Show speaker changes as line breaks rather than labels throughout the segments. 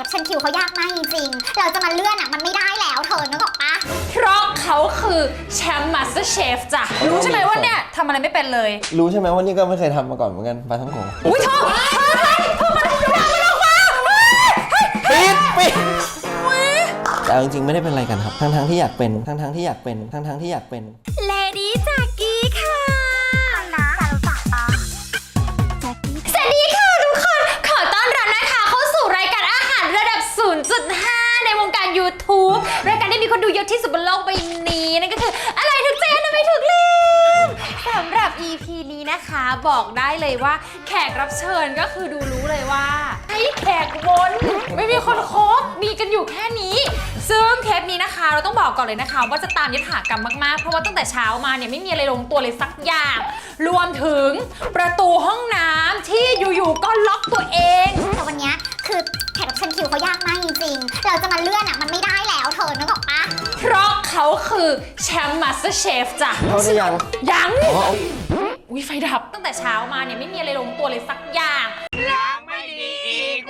รับเชิญคิวเขายากมากจริงๆเราจะมาเลื่อนมันไม่ได้แล้วเธอนึกออกปะ
เพราะเขาคือแชมป์มาสเตอร์เชฟจ้ะรู้ใช่ไหมว่าเนี่ยทำอะไรไม่เป็นเลย
รู้ใช่ไหมว่านี่ก็ไม่เคยทำมาก่อนเหมือนกันปลาท่องโก
อุ้ยเธอมันออกมา
ปิดแต่จริงๆไม่ได้เป็นอะไรกันครับทั้งที่อยากเป็นทั้งที่อยากเป็นทั้งที่อยากเป็น
เลดี้จากกี้ค่ะสวัสดีค่ะทุกคนขอต้อนรับนะคะเข้าสู่รายการอาหารระดับ 0.5 ในวงการ YouTube รายการที่มีคนดูเยอะที่สุดบนโลกใบนี้นั่นก็คืออะไรถึงเจนไม่ถูกลืมสำหรับ EP นี้นะคะบอกได้เลยว่าแขกรับเชิญก็คือดูรู้เลยว่าให้แขกวนไม่มีคนคบมีกันอยู่แค่นี้ซึ่งเทปนี้นะคะเราต้องบอกก่อนเลยนะคะว่าจะตามยถากรรมมากๆเพราะว่าตั้งแต่เช้ามาเนี่ยไม่มีอะไรลงตัวเลยสักอย่างรวมถึงประตูห้องน้ำที่อยู่ๆก็ล็อกตัวเอง
แต่วันนี้คือแขกรับเชิญคิวเขายากมากจริงๆเราจะมาเลื่อนมันไม่ได้แล้วเธอนึกออกปะ
เพราะเขาคือแชมป์มาสเตอร์เชฟจ้ะ
เขาได้
ยังอุ้ยไฟดับตั้งแต่เช้ามาเนี่ยไม่มีอะไรลงตัวเลยสักอย่างยังไม่ดีอีก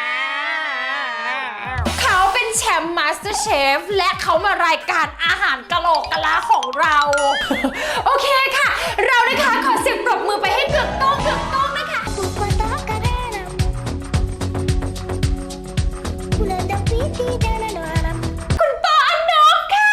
เขาเป็นแชมป์มาสเตอร์เชฟและเขามารายการอาหารกะโหลกกะลาของเรา โอเคค่ะเรานะคะขอเสียงปรบมือไปให้เกือกต้องนะคะคุณปออนกค่ะ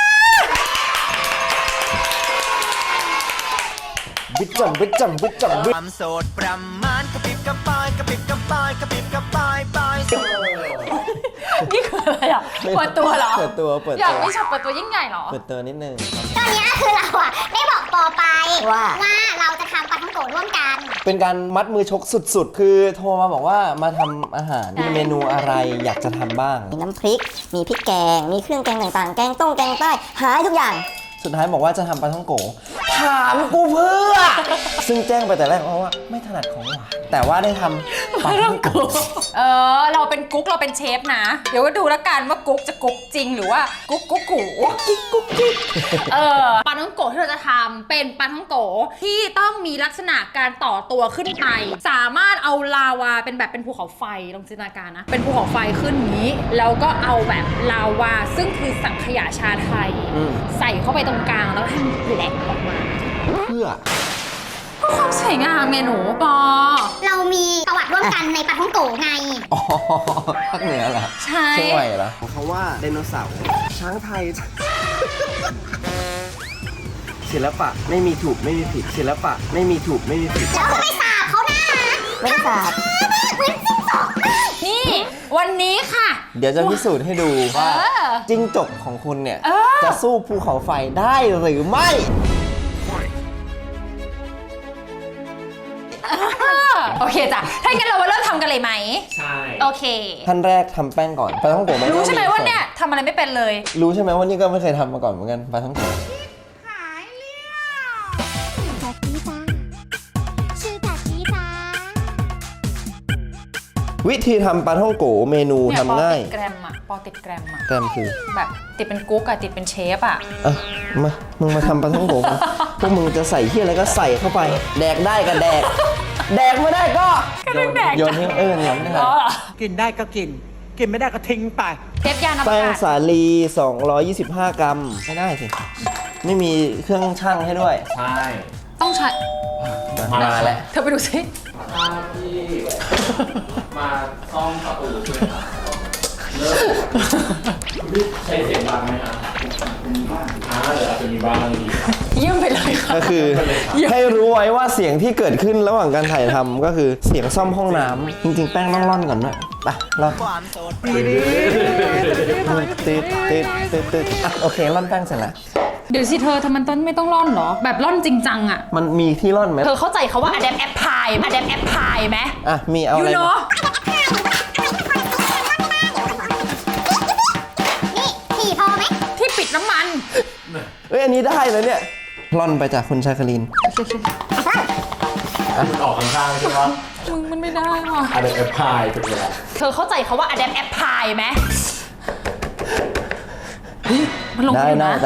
บิดจำ
ความโสดประมาณกระปิบกระปายกระปิบกระปายกระปิบกระปายปลาย
นี่คืออะไรอ่ะเปิดตัวเหรอ
เปิดตัว
อยากไม่ชอบเปิดตัวยิ่งใหญ่เหรอ
เปิดตัวนิดนึง
ตอนนี้คือเราได้บอกปอไปว่าเราจะทำปลาท่องโกะร่วมกัน
เป็นการมัดมือชกสุดๆคือโทรมาบอกว่ามาทำอาหารมีเมนูอะไรอยากจะทำบ้าง
มีน้ำพริกมีพริกแกงมีเครื่องแกงต่างๆแกงต้มแกงใต้หาทุกอย่าง
สุดท้ายบอกว่าจะทำปลาท่องโกถามกูเพื่อซึ่งแจ้งไปแต่แรกเพราะว่าไม่ถนัดของหวานแต่ว่าได้ทำปลาท่องโก
เราเป็นกุ๊กเราเป็นเชฟนะเดี๋ยวก็ดูแล้วกันว่ากุ๊กจะกุ๊กจริงหรือว่ากุ๊กกูปลาท่องโกที่เราจะทำเป็นปลาท่องโกที่ต้องมีลักษณะการต่อตัวขึ้นไปสามารถเอาลาวาเป็นแบบเป็นภูเขาไฟลองจินตนาการนะเป็นภูเขาไฟขึ้นนี้แล้วก็เอาแบบลาวาซึ่งคือสังขยาชาไทยใส่เข้าไปตรงกลางแล้วให้มันแหลกออกมา
เพื่อ
ความสวยงามเมนูปอ
เรามีประวัติร่วมกันในปลาท่องโกไง
อ๋อภาคเหนือเหรอ
ใช่
เชียงใหม่เหรอเขาว่าไดโนเสาร์ช้างไทยศิลปะไม่มีถูกไม่มีผิดศิลปะไม่มีถูกไม่มีผิด
แล้วไม่สาบเขานะ
ไม่สาบ
นี่วันนี้ค่ะ
เดี๋ยวจะพิสูจน์ให้ดูว่าจิ้งจกของคุณเนี่ยจะสู้ภูเขาไฟได้หรือไม่
โอเคจ้ะถ้างั้นเรามาเริ่มทำกันเลยไหม
ใช่
โอเค
ขั้นแรกทำแป้งก่อนปลาท่องโกะ
รู้ใช่ไหมว่าเนี่ยทำอะไรไม่เป็นเลย
รู้ใช่ไหมว่านี่ก็ไม่เคยทำมาก่อนเหมือนกันปลาท่องโกะวิธีทำปลาท่องโกเมนูทำง่าย
ปอติดแกรม
แกรมคือ
แบบติดเป็นกุ๊กติดเป็นเชฟ
มึงมาทำปลาท่องโกพวกมึงจะใส่ที่อะไรก็ใส่เข้าไปแดกได้ก็แดกไม่ได้ก็โยนทิ้งอย่างนี้
กินได้ก็กินไม่ได้ก็ทิ้งไป
เทปยาน้ำตาล
แป้งสาลี225 กรัมไม่ได้สิไม่มีเครื่องชั่งให้ด้วย
ใช่
ต้องใช้
มาแล้ว
เธอไปดูสิ
ที่มาซ่อมประตูช่วยครับเริ่มใช้เสียงดังไหมครับเดี๋ยวอาจจะมีบ้าง
เยี่ยมไปเลยค่ะ
ก็คือให้รู้ไว้ว่าเสียงที่เกิดขึ้นระหว่างการถ่ายทำก็คือเสียงซ่อมห้องน้ำจริงๆแป้งต้องร่อนก่อนนะไปร่อนติดโอเคร่อนแป้งเสร็จแล้ว
เดี๋ยวสิเธอทำมันต้นไม่ต้องร่อนหรอแบบร่อนจริงจังอ่ะ
มันมีที่ร่อนไหม
เธอเข้าใจเขาว่า adapt apply ไหม
มีเอาอะไร
นี่ถี่พอไหม
ที่ปิดน้ำมัน
อันนี้ได้เลยเนี่ยร่อนไปจากคุณชาคลิน
มันออกข้างๆใช่ไหม
มึงมันไม่ได้ว่ะ
adapt apply ถูกไหม
เธอเข้าใจเขาว่า adapt apply ไหมมันลงอยู่นะ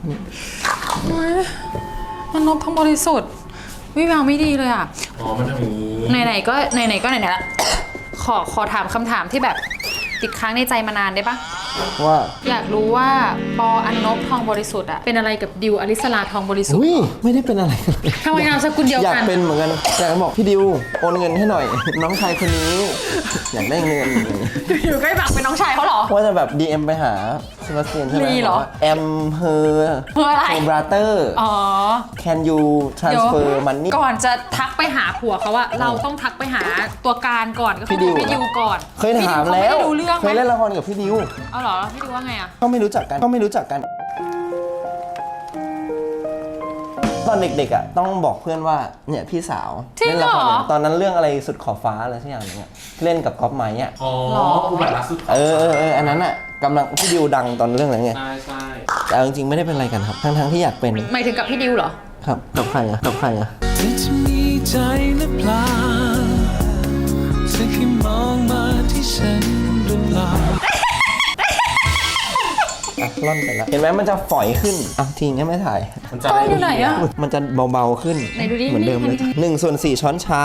มันลบทั้งบริสุทธิ์วิวไม่ดีเลยอ่ะ
มันทำอย่างนี้
ไหนๆก็ไหนละขอถามคำถามที่แบบติดค้างในใจมานานได้ปะ
ว่า
อยากรู้ว่าปออันนบทองบริสุทธิ์อะเป็นอะไรกับดิวอลิสลาทองบริสุทธิ์
อุ้ยไม่ได้เป็นอะไรกันเลย
ทำไมนามสกุลเดียว
อยาก
กัน
เป็นเหมือนกันอยากบอกพี่ดิวโอนเงินให้หน่อย น้องชายคนนี้ อยากได้เงิน
อยู่ใกล้บักเป็นน้องชายเขาเหรอ
ว่าจะแบบ DM ไปหาเซบาสเตียนใช่ไหม
ลีเหรอ
แอมเฮอร์
เพื่ออะไร
บราเตอร์
อ๋อ
Can you transfer money
ก่อนจะทักไปหาผัวเขาว่าเราต้องทักไปหาตัวการก่อนก็คือ
พี่ดิว
พี่ดิวก่อน
เคยถาม
พี่
แล้ว
ดิวเขาไม่ได้รู้เรื่อง
เค
ไหม
ยเล่นละครกับพี่ดิว
เอาเหรอพี่ดิวว่าไงอะ
ก็ไม่รู้จักกันตอนเด็กๆอ่ะต้องบอกเพื่อนว่าเนี่ยพี่สาว
จริง
เล่น
เหร
ละค
อ
รตอนนั้นเรื่องอะไรสุดขอบฟ้าอะไรสักอย่างนึงอะเล่นกับก๊อฟไม้อ่ะ
อ๋ออุบัติรักสุด
เอออันนั้นอ่ะกำลังพี่ดิวดังตอนเรื่องอะไรไง
ใช่ใช่
แต่เอาจริงๆไม่ได้เป็นอะไรกันครับทั้งที่อยากเป็น
หมายถึงกับพี่ดิวเหรอ
ครับกับใครอะกับใครอะ
เธอจะมีใจหรือเปล่าเธอแค่มองมาที่ฉันหรือเปล่า
อ่ะร่อนไปแล้วเห็นไหมมันจะฝอยขึ้นอ่ะทีนี้ไม่ถ่าย
มันจะ
กล้องอยู่ไหนอะ
มันจะเบาๆขึ้น
ไหนดูดิ
เหมือนเดิมเลย
นี่
1/4 ช้อนชา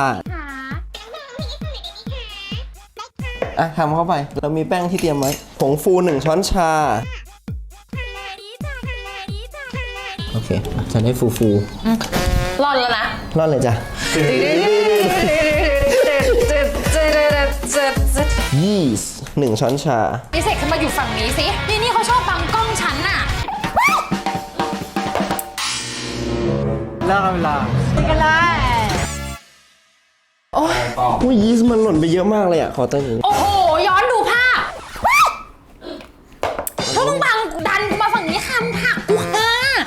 อ่ะทำเข้าไปเรามีแป้งที่เตรียมไว้ผงฟู1 ช้อนชาโอเคจะได้ฟู
รอดแล้วนะ
ๆร่อนเลยจ้ะยีสต์1 ช้อนชา
นี่เสกขึ้นมาอยู่ฝั่งนี้สินี่เขาชอบบังกล้องฉันน่ะ
อุ้ยยีสต์มันหล่นไปเยอะมากเลยอ่ะขอเติมอีก
โอ้โห ย้อนดูภาพเธอต้องบังดันกูมาฝั่งนี้ค่ะมึงผลักกูค่ะ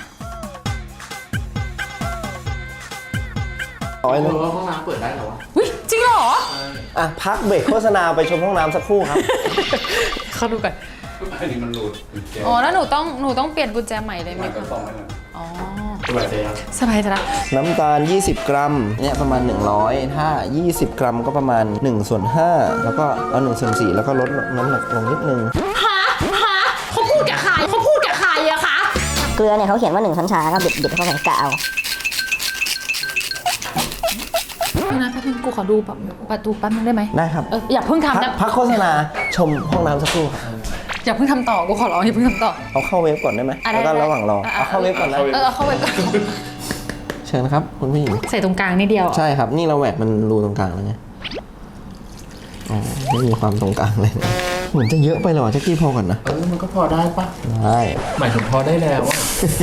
ร้อย
เอ
นึง
อห้องน้ำเปิดได้เหรอวะ
วิจริงเหรอ
อ่ะพักเบรกโฆษณาไปชมห้องน้ำสักครู่ครับ
เขาดูกัน
อันนี้มันหลุด
อ๋อ แล้วหนูต้องเปลี่ยนกุญแจใหม่เลยไหม
มันก็
คะ
ต้องนั่นแหละ
อ๋อ
สบายใจยัง
สบายใจละ
น้ำตาล 20 กรัม เนี่ยประมาณ 100 ถ้า 20 กรัมก็ประมาณ1/5 แล้วก็เอา1/4 แล้วก็ลดน้ำหนักลงนิดนึง
ฮะเขาพูดกับใครอะคะ
เกลือเนี่ยเขาเขียนว่า1 ช้อนชาก็บิดเข้าไปกะเอา
นี่นะแป๊บนึงกูขอดูแบบประตูแป๊บนึงได้ไหม
ได้ครับ
อย่าเพิ่งทำนะ
พักโฆษณาชมห้องน้ำสักครู่ครับ
อย่าเพิ่งทำต่อ กูขอร้องอย่าเพิ่งทำต่อ
เอาเข้าเว็บก่อนได้ไหม
อ่ะได้
แล้วก็
ได้
ระหว่างรอ
อ่ะ
เอาเข้าเว็บก่อนนะ
เอาเข้าไปก่อน
เชิญครับคุณผู้หญิง
ใส่ตรงกลางนิดเดียว
ใช่ครับ นี่เราแหวกมันรูตรงกลางแล้วไง อ๋อ ไม่มีความตรงกลางเลยนะเหมือนจะเยอะไปหรอแจ็คกี้พอก่อนนะ
มันก็พอได้ปะ
ได้
หมายถึงพอได้แล้วอะ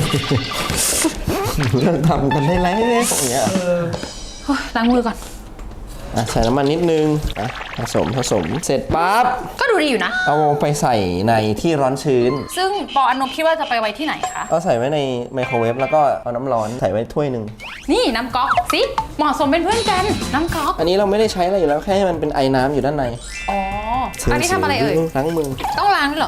เลิกทำกันได้แล้วอย่างเงี้ย
โอ๊ยล้างมือก่อน
อ่ะใส่น้ำมันนิดนึงอ่ะผสมเสร็จปั๊บ
ก็ดูดีอยู่นะ
เอาไปใส่ในที่ร้อนชื้น
ซึ่งปออันนบคิดว่าจะไปไว้ที่ไหนคะ
ก็ใส่ไว้ในไมโครเวฟแล้วก็เอาน้ำร้อนใส่ไว้ถ้วยหนึ่ง
นี่น้ำก๊อกสิเหมาะสมเป็นเพื่อนกัน น้ำก๊อก
อันนี้เราไม่ได้ใช้อะไรอยู่แล้วแค่ให้มันเป็นไอน้ำอยู่ด้านใน
อ๋อ อันนี้ทำอะไรเอ่ย
ล้างมือ
ต้องล้างด้วยเหรอ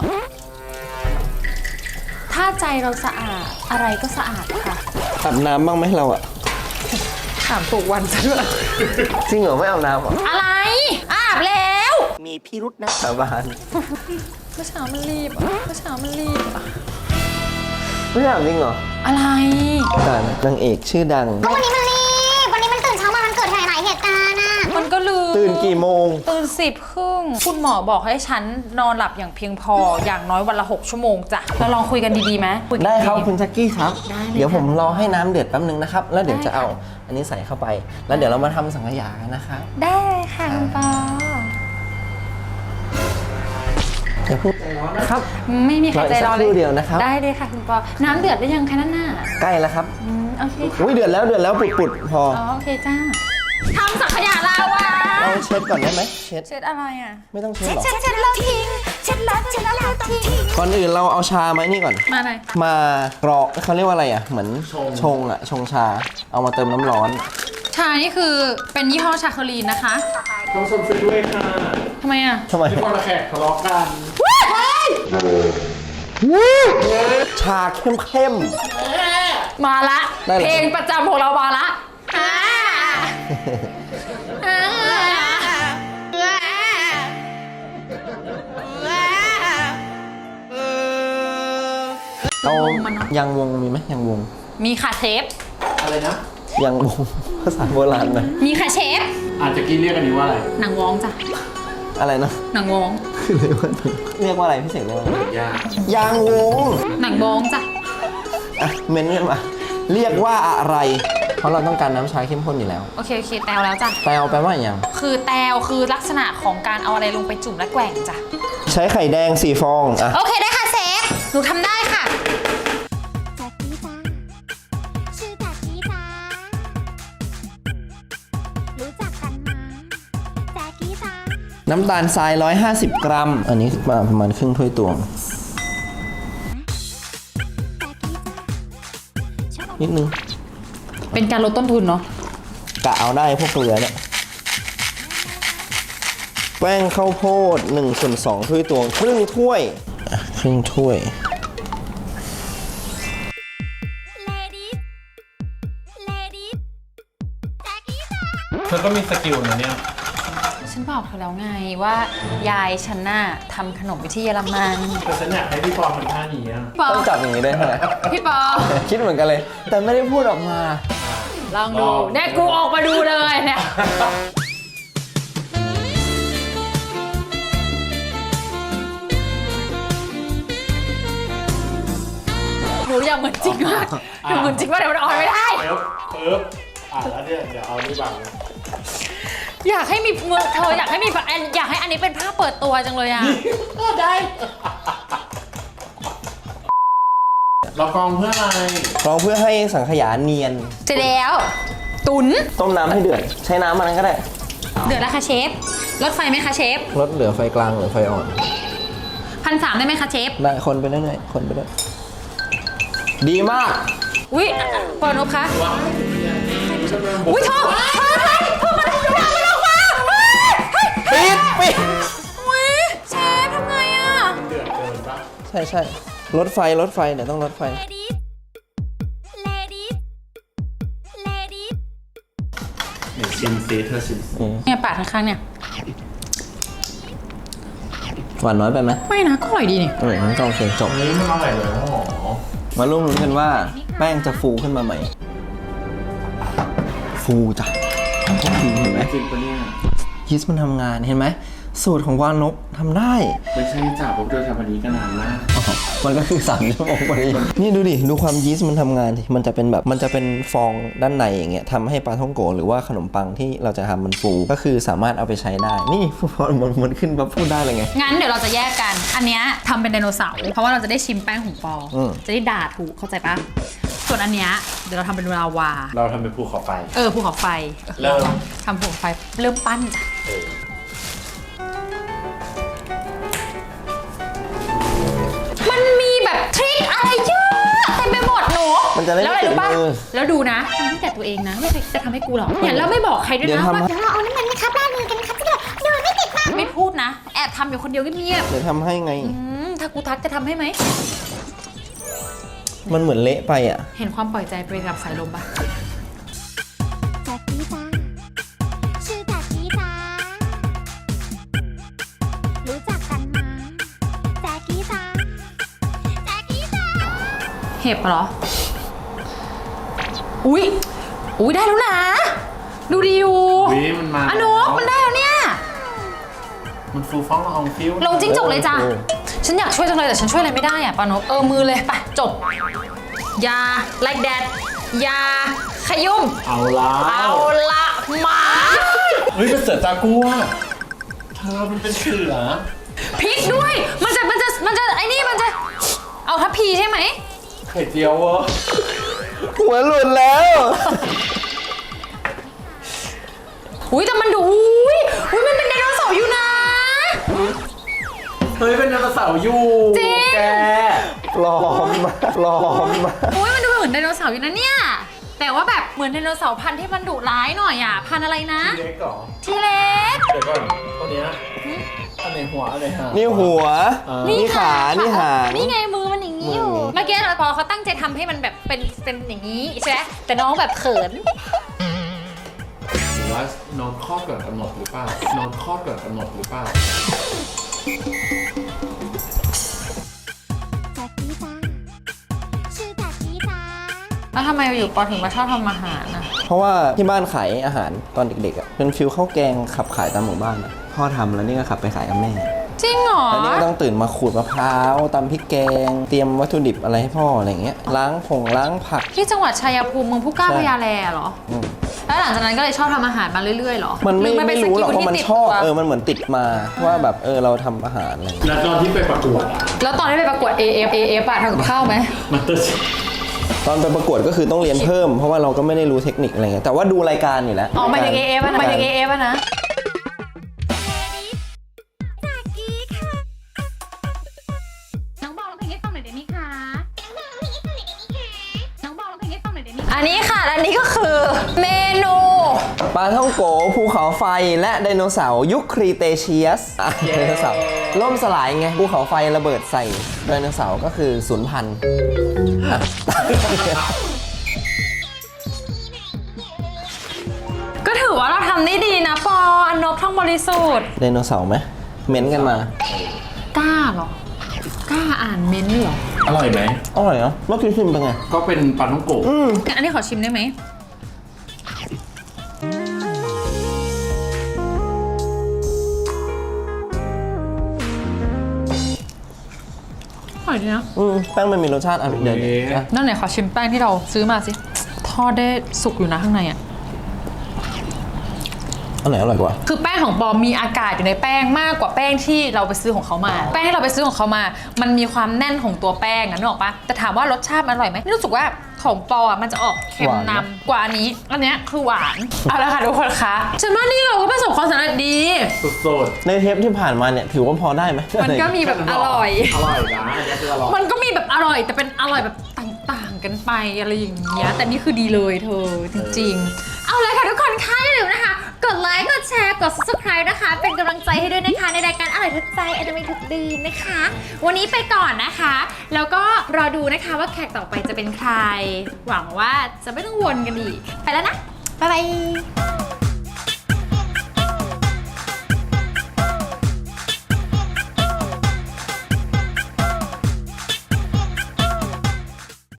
ถ้าใจเราสะอาดอะไรก็สะอาดค่ะ
อาบน้ำบ้างไหมเราอะ
ถามถูกวันซะด้วย
จริงเหรอไม่อาบน้ำเหรอ
อะไรอาบแล้ว
มีพิรุษนะสาบาน
เมื่อเช้ามันรีบอ่ะเมื่อเช้ามันรีบอ่ะ
ไม่อาบจริงเหรอ
อะไร
แต่นางเอกชื่อดัง
ก็วันนี้มันรีบ วันนี้มันตื่นเช้ามา มันเกิดหลายเหตุการณ์อะ
มันก็ลืม
ตื่นกี่โมง
ตื่น10:30คุณหมอบอกให้ฉันนอนหลับอย่างเพียงพออย่างน้อยวันละ 6 ชั่วโมงจ้ะเราลองคุยกันดีๆไหมยกัน
ได้ครับ
ดีๆ
คุณแจ็คกี้ครับ
ได้เลย
เดี๋ยว
ค่ะ
ผมรอให้น้ำเดือดแป๊บนึงนะครับ แล้วเดี๋ยว
ได้
จะเอา
ค่ะ
อันนี้ใส่เข้าไป แล้วเดี๋ยวเรามาทำสังขยากันนะครับ
ได้ค่ะคุณปอ
อย่าพูดใจร้อนนะครับ
ไม่มีใครใจร้อน
รออีกสักครู่เดียวนะครับ
ได้เลยค่ะคุณปอน้ำเดือดได้ยังคะนั่นน่ะ
ใกล้แล้วครับ
โอเคค่ะ
อุ้ยเดือดแล้วปุดๆพอ
อ๋อโอเคจ้าทำสังขยาลาวา
เราเช็ดก่อนได้ไหมเช็ด
เช็ดอะไรอ่ะ
ไม่ต้องเช็ดหรอก
เช็ดแล้วทิ้งเช็ดแล้วทิ้ง
ก่อนอื่นเราเอาชามานี่ก่อน
มาหน่อย
มากรอกเขาเรียกว่าอะไรอ่ะ เหมือนชงอ่ะ ชงชา เอามาเติมน้ำร้อน
ชานี่คือเป็นยี่ห้อชาคลีนนะคะ
ต้องชมช่วยด้วยค่ะ
ทำไมอ่ะ
ทำไม
ที่คนละแขกทะเลาะกัน
ชาเข้ม
มาละ
ได้เลย
เพลงประจำของเรามาละ
ๆเอายางวงมีไหมยางวง
มีค่ะเชฟ
อะไรนะ
ยางวง ภาษาโบราณนะ
มีค่ะเชฟ
อาจจะกี้เรียกอันนี้ว่าอะไร
หนังวองจ้ะ
อะไรนะ
หนังวง
คืออะไรวะเรียกว่าอะไรพี่เสกเรียกว่าอะไร
ยาก
ยางวง
หนังวงจ้ะ
อ่ะเมนกันมาเรียกว่าอะไร เพราะเราต้องการน้ำชาเข้มข้นอยู่แล้ว
โอเคแตวแล้วจ้ะ
แปลแปลว่าอย่าง
คือแตวคือลักษณะของการเอาอะไรลงไปจุ่มและแกว่งจ้ะ
ใช้ไข่แดง4 ฟองอ่ะ
โอเคได้ค่ะเซฟหนูทำได้ค่ะ
แจ็คกี้จ้าชื่อแจ็คกี้จ้ารู้จักกันมาแจ็คกี้จ้า
น้ำตาลทราย150 กรัม อันนี้มาประมาณครึ่งถ้วยตวง นิดนึง
เป็นการลดต้นทุนเนาะ
กะเอาได้พวกเกลือเนี่ย แป้งข้าวโพด1/2 ถ้วยตวงครึ่งถ้วยอ่ะครึ่งถ้วย
เธอก็มีสกิลนะเนี่ย
ฉันบอกเธอแล้วไงว่ายายฉันน่ะทำขนมไปที่เยอรมัน
แต่ฉันอยากให้พี่ปอทำท่านี้อะ
ปอ
ต้องจับอย่างนี้ด้วยใช่ไหม
พี่ปอ
คิดเหมือนกันเลย แต่ไม่ได้พูดออกมา
ลองดูเนี่ยกูออกมาดูเลยเนี่ยหนูอยากเหมือนจริงมากหนูเหมือนจริงว่าเดี๋ยวมันออนไม่ได้
ปึ๊บแล้วเนี่ยเดี๋ยวเอานี่บังนะ
อยากให้มีเมืองเธออยากให้มีแบบอยากให้อันนี้เป็นภาพเปิดตัวจังเลยอ่ะ
ได้เรากรองเพื่ออะไร
ลองเพื่อให้สังขยาเนียน
เสร็จแล้ว ตุ๋น
ต้มน้ำให้เดือด ใช้น้ำมันนั้นก็ได้
เดือดแล้วค่ะเชฟลดไฟไหมคะเชฟ
ลดเหลือไฟกลางหรือไฟอ่อน
1,300ได้ไหมคะเชฟ
ได้คนไปเรื่อยๆคนไปเรื่อยดีมาก
อุ้ยเปิดนบคะอุ้ยทองมันออกมา
ปิด
อุ้ยเชฟทำไงอ่ะ
เดือดเกินปะ
ใช่ใช่ลดไฟเดี๋ยวต้องลดไฟ
เดี๋ยวชิมซิเธอชิมซิ
เนี่ยปาดข้างๆเนี่ย
หวานน้อยไปไหม
ไม่นะก็อร่อยดีนี่
งั้นก็โอเคจบ
เฮ้ยมันอร่อยเลยโอ้โห
มาร่วมลุ้นกันว่าแป้งจะฟูขึ้นมาไหม ฟูจ้ะก็ฟูเห็นไหม
จริงปะเนี่ย
ยีสต์มันทำงานเห็นไหมสูตรของวานกทำได้
ไม่ใช่จ่าพวกเธอทำอันนี้ก็นานมาก
อ๋อมันก็คือ3 ชั่วโมงพอดีนี่ดูดิ ดูความยีสต์มันทำงานสิมันจะเป็นแบบมันจะเป็นฟองด้านในอย่างเงี้ยทำให้ปลาท่องโกหรือว่าขนมปังที่เราจะทำมันฟูก็คือสามารถเอาไปใช้ได้ นี่พอมันขึ้นมาพูดได้เลยไง
งั้นเดี๋ยวเราจะแยกกัน อันเนี้ยทำเป็นไดโนเสาร์เพราะว่าเราจะได้ชิมแป้งของปอ จะได้ด่าถูกเข้าใจปะส่วนอันเนี้ยเดี๋ยวเราทำเป็นลาวา
เราทำเป็นภูเขาไฟ
ภูเขาไฟ
เริ่ม
ทำภูเขาไฟเริ่มปั้นจ้ะมันมีแบบทริคอะไรเยอะเต็มไปหมดหนู
มันจะได้ไม่
แล้วอะไรรู้ปะ
ติดมือ
แล้วดูนะทำให้แต่ตัวเองนะไม่เคยจะทำให้กูหรอกเนี่ยแล้วไม่บอกใครด้วย
เดี๋ยว
นะ
ทำ
ว่า
เดี๋ยวเราเอาน้ำมันนะครับราดมือกันนะครับจะได้โดนไม่ติดมาก
ไม่พูดนะ แอบทำอยู่คนเดียวเงียบ
เดี๋ยวทำให้ไง
ๆถ้ากูทักจะทำให้ไหม
มันเหมือนเละไปอ่ะ
เห็นความปล่อยใจไปกับสายลมปะ
แจ็คกี้จ้าชื่อแจ็คกี้จ้ารู้จักกันมาแจ็คกี้จ้าแจ็คกี้จ้า
เห็บเหรอ อุ้ยได้แล้วนะ ดูดีอยู่
วิมันมา
นุกมันได้แล้วเนี่ย
มันฟูฟ้องละอองฟิว
ลงจิ้งจกเลยจ้ะ ฉันอยากช่วยจังเลยแต่ฉันช่วยอะไรไม่ได้อะปานกมือเลยไปจบยา like that ยาขยุ่ม
เอาละ
เอาละหมา
เฮ้ยเป็นเสือจากัวเธอมันเป็นเสือ
พริกด้วย มันจะไอ้นี่มันจะเอาทัพพีใช่ไหม
ไข่เจียวเวะ
หัวหลุดแล้ว
อุ้ยแต่มันดูอุ้ยมันเป็นไดโนเสาร์อยู่นะ
เฮ้ยเป็นไดโนเสาร์อยู่
จริง
แก
ปลอมมา
อุ้ยมันดูเหมือนไดโนเสาร์อยู่นะเนี่ยแต่ว่าแบบเหมือนไดโนเสาร์พันธุ์ที่มันดุร้ายหน่อยอ่ะพันธุ์อะไรนะ
เล็กเหรอ
ทีเล็ก
เดี๋ยวก่อนตัวเนี้ยอันไหนหัวอันไหนหาง
นี่หัว นี่ขา นี่หาง
นี่ไงมือมันอย่างนี้อยู่
มือ
เมื่อกี้พอเขาตั้งใจทำให้มันแบบเป็นอย่างนี้ใช่ไหมแต่น้องแบบเขิน
หรือว่านอนคลอดก่อนกำหนดหรือเปล่า นอนคลอดก่อนกำหนดหรือเปล่า
แจ็คกี้จ้าชื่อแจ็คกี้จ้า
แล้วทำไมอยู่ปอถึงมาชอบทำอาหารอ่ะ
เพราะว่าที่บ้านขายอาหารตอนเด็กๆอ่ะเป็นฟิลข้าวแกงขับขายตามหมู่บ้านอ่ะพ่อทำแล้วนี่ก็ขับไปขายกับแม่
จริงเหรอ
แล้วนี่ก็ต้องตื่นมาขูดมะพร้าวตำพริกแกงเตรียมวัตถุดิบอะไรให้พ่ออะไรอย่างเงี้ยล้างผัก
ที่จังหวัดชัยภูมิเมืองผู้กล้า
ใช่
พญาแลเหรอ แล้วหลังจากนั้นก็เลยชอบทำอาหารมาเรื่อยๆเหรอ
มัน
หอ
ไม่
เป็น
รู้หรอก
ส
ว่ามัน
ที่ติด
ชอบ
ตัว
มันเหมือนติดมาว่าแบบเราทำอาหารอะไรอย่างเงี้ย
แล้วตอนที่ไปประกวดอะ
แล้วตอนที่ไปประกวด AF อะทำกับข้าวไหม
มันเตอร์
ตอนไปประกวดก็คือต้องเรียนเพิ่มเพราะว่าเราก็ไม่ได้รู้เทคนิคอะไรเงี้ยแต่ว่าดูรายการอยู่แล้ว
อ๋อหมายถึง AF อะหมายถึง AF อะนะ
น้องบอกร้องเพลงให้ฟังหน่อยได้ไหมคะน้องบอกร้องเพลงให้ฟังหน่อยได้ไหม
อันนี้ค่ะ อันนี้ก็คือเมนู
ปลาท่องโกภูเขาไฟและไดโนเสาร์ยุคครีเตเชียสไดโนเสาร์ล่มสลายไงภูเขาไฟระเบิดใส่ไดโนเสาร์ก็คือสูญพันธุ์อ่ะ
ก็ถือว่าเราทำได้ดีนะปออันนบท่องบริสุทธิ์
ไดโนเสาร์ไหมเม้นกันมา
กล้าเหรอ กล้าอ่านเม้นต์เหรอ
อร่อยไหม
อร่อยเนาะเมื่อกี้ชิมเป็นไง
ก็เป็นปลาท่องโกะ
อันนี้ขอชิมได้ไหมอร่อยดีนะ
แป้งมันมีรสชาติอ่ะเดี๋ยวๆอ่ะ
นั่นไหนขอชิมแป้งที่เราซื้อมาสิ ทอดได้สุกอยู่นะข้างในอ่ะ
อันไหนอร่อยกว่า
คือแป้งของปอมมีอากาศอยู่ในแป้งมากกว่าแป้งที่เราไปซื้อของเขามา แป้งที่เราไปซื้อของเขามา มันมีความแน่นของตัวแป้งอะนึกออกปะแต่ถามว่ารสชาติมันอร่อยไหมนี่รู้สึกว่าของปออะมันจะออกเค็มนำกว่าอันนี้ อันเนี้ยคือหวาน เอาละค่ะทุกคนคะฉันว่านี่เราก็ประสบความสำเร็จดี
สุด
ในเทปที่ผ่านมาเนี่ยถือว่าพอได้ไหม
มันก็มีแบบอร่อย
ๆอร่อยนะอันนี้คืออร่อย
มันก็มีแบบอร่อยแต่เป็นอร่อยแบบต่างๆกันไปอะไรอย่างเงี้ยแต่นี่คือดีเลยเธอจริงๆ เอาเลยค่ะทุกคนค่ะอย่าลืมนะคะ กดไลค์กดแชร์กด subscribe นะคะ เป็นกำลังใจให้ด้วยนะคะในรายการอร่อยทุกใจอร่อยทุกดีนะคะ วันนี้ไปก่อนนะคะ แล้วก็รอดูนะคะว่าแขกต่อไปจะเป็นใคร หวังว่าจะไม่ต้องวนกันอีกไปแล้วนะบ๊ายบาย